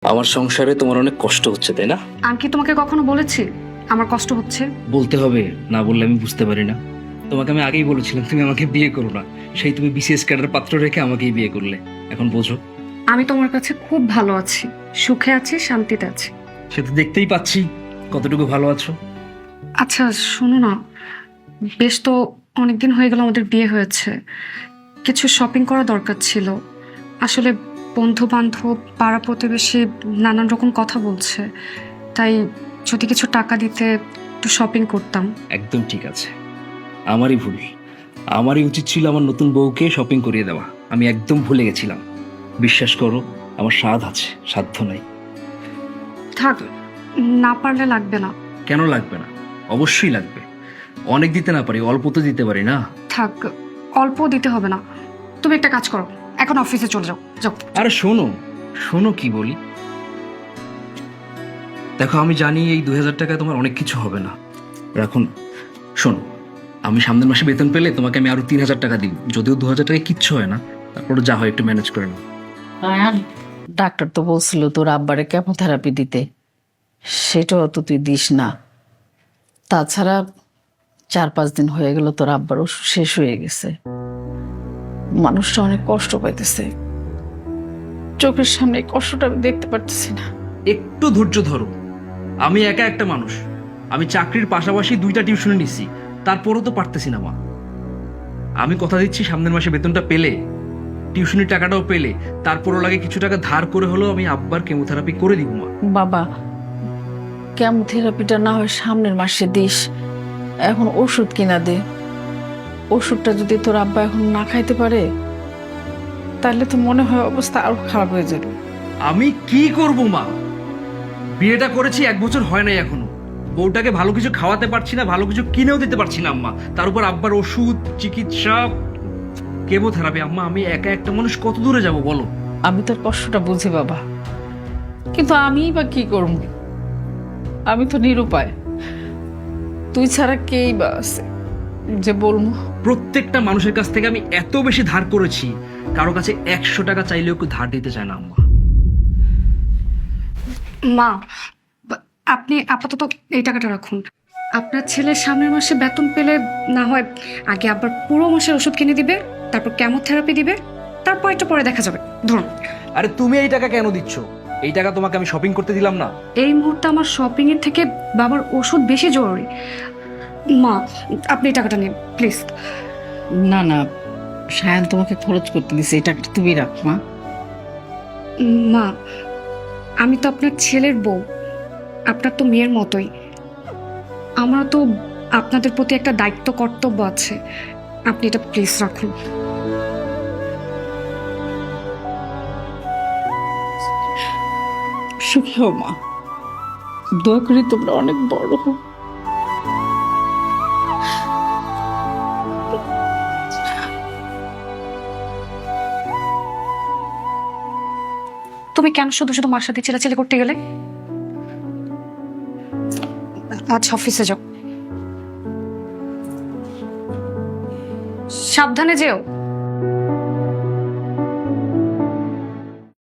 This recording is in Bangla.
আমার সংসারে তোমার অনেক কষ্ট হচ্ছে, তাই না? আমি কি তোমাকে কখনো বলেছি আমার কষ্ট হচ্ছে? বলতে হবে, না বললে আমি বুঝতে পারি না। তোমাকে আমি আগেই বলেছিলাম তুমি আমাকে বিয়ে করো না, সেই তুমি বিসিএস ক্যাডার পাত্র রেখে আমাকেই বিয়ে করলে। এখন বোঝো। আমি তোমার কাছে খুব ভালো আছি, সুখে আছি, শান্তিতে আছি। সে তো দেখতেই পাচ্ছি কতটুকু ভালো আছো। আচ্ছা শোনো না, বেশ তো অনেকদিন হয়ে গেল আমাদের বিয়ে হয়েছে, কিছু শপিং করা দরকার ছিল। আসলে বন্ধু বান্ধব পাড়া প্রতিবেশী নানান রকম কথা বলছে, তাই যদি কিছু টাকা দিতে একটু শপিং করতাম। একদম ঠিক আছে, আমারই ভুল। আমারই উচিত ছিল আমার নতুন বউকে শপিং করিয়ে দেওয়া। আমি একদম ভুলে গেছিলাম। বিশ্বাস করো, আমার স্বাদ আছে, সাধ্য নাই। থাক, না পারলে লাগবে না। কেন লাগবে না? অবশ্যই লাগবে। অনেক দিতে না পারি, অল্প তো দিতে পারি না। থাক, অল্প দিতে হবে না। তুমি একটা কাজ করো, এখন অফিসে চলে যাও। যাও। আরে শোনো, শোনো কি বলি। দেখো, আমি জানি এই 2000 টাকায় তোমার অনেক কিছু হবে না, রাখুন। শোনো, আমি সামনের মাসে বেতন পেলে তোমাকে আমি আরো 3000 টাকা দিই। যদিও 2000 টাকায় কিচ্ছু হয় না, তারপরে যা হয় একটু ম্যানেজ করে নাও। আয়ান, ডাক্তার তো বলছিল তোর আব্বারে কেমোথেরাপি দিতে, সেটাও তো তুই দিস না। তাছাড়া 4-5 দিন হয়ে গেল তোর আব্বার ওষুধ শেষ হয়ে গেছে। মানুষটা অনেক কষ্ট পাইতেছে, চোখের সামনে এই কষ্টটা আমি দেখতে পারতেছি না। একটু ধৈর্য ধরো। আমি একা একটা মানুষ, আমি চাকরির পাশাপাশি 2টা টিউশনে নিচ্ছি, তারপরও তো পারতেছি না মা। আমি কথা দিচ্ছি সামনের মাসে বেতনটা পেলে, টিউশনির টাকাটাও পেলে, তারপরও লাগে কিছু টাকা ধার করে হলেও আমি আব্বার কেমোথেরাপি করে দিব মা। বাবা, কেমোথেরাপিটা না হয় সামনের মাসে দিস, এখন ওষুধ কিনা দে। ওষুধটা যদি তোর আব্বা এখন না খাইতে পারে, তাহলে তো মনে হয় অবস্থা আরো খারাপ হয়ে যাবে। আমি কি করব মা? বিয়েটা করেছি 1 বছর হয় নাই এখনো। বউটাকে ভালো কিছু খাওয়াতে পারছি না, ভালো কিছু কিনেও দিতে পারছি না আম্মা। তার উপর আব্বার ওষুধ, চিকিৎসা, কেমোথেরাপি। আম্মা, আমি একা একটা মানুষ কত দূরে যাব বলো? আমি তোর কষ্টটা বুঝি বাবা, কিন্তু আমিই বা কি করব? আমি তো নিরুপায়। তুই ছাড়া কেই বা আছে যে বলবো? প্রত্যেকটা মানুষের কাছ থেকে আমি এত বেশি ধার করেছি, কারো কাছে 100 টাকা চাইলেও কেউ ধার দিতে চায় না আম্মা। মা, আপনি আপাতত এই টাকাটা রাখুন। আপনার ছেলের সামনের মাসে বেতন পেলে না হয় আগে আবার পুরো মাসের ওষুধ কিনে দিবে, তারপর কেমোথেরাপি দিবে, তারপর একটু পরে দেখা যাবে। ধরুন। আরে তুমি এই টাকা কেন দিচ্ছ? এই টাকা তোমাকে আমি শপিং করতে দিলাম না? এই মুহূর্তে আমার শপিং এর থেকে বাবার ওষুধ বেশি জরুরি। মা, আপনি এই টাকাটা নিন প্লিজ। না না, সায়ান তোমাকে খরচ করতে দিছে, এটা তুমি রাখ মা। মা, আমি তো আপনার ছেলের বউ, আপনার তো মেয়ের মতোই। আমার তো আপনাদের প্রতি একটা দায়িত্ব, কর্তব্য আছে। আপনি এটা প্লিজ রাখুন। সুখী হও মা, দোয়া করি তোমরা অনেক বড় হও। তুমি কেন শুধু শুধু মার সাথে চিল্লাচিল্লি করতে গেলে? আজ অফিসে যাও, সাবধানে যেও।